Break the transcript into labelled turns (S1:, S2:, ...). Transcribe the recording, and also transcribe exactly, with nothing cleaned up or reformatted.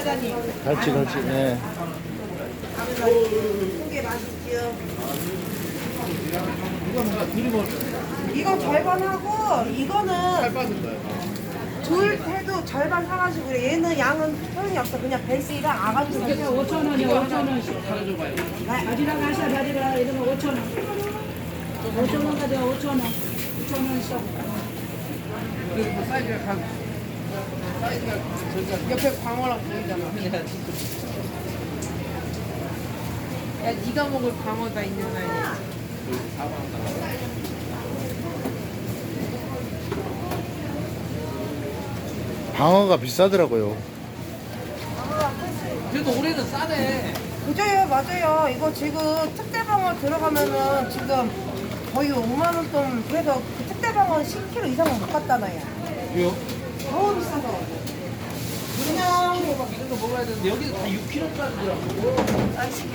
S1: 사장님.
S2: 갈치 갈치. 네.
S1: 이게 맛있지요. 이거 절반하고 이거는 둘 해도 절반 사가지고 그래. 얘는 양은 소용이 없어. 그냥 벨스랑 아가도
S3: 이게 오천 원이요, 오천 원씩. 바지락 하셔, 바지락 이러면 오천 원. 오천 원 가져가, 오천 원. 오천 원 써.
S1: 옆에 광어랑 보이잖아. 야, 네가 먹을 광어다 있는 아이.
S2: 방어가 비싸더라고요.
S4: 그래도 올해는 싸네.
S1: 그죠요, 맞아요. 이거 지금 특대방어 들어가면은 지금 거의 오만 원 돈. 그래서 그 특대방어 십 킬로그램 이상은 못 갔다나요.
S4: 왜요?
S1: 너무 비싸서. 그냥
S4: 이런 거 먹어야 되는데 여기는 다 육 킬로그램까지 들어가고.
S1: 아,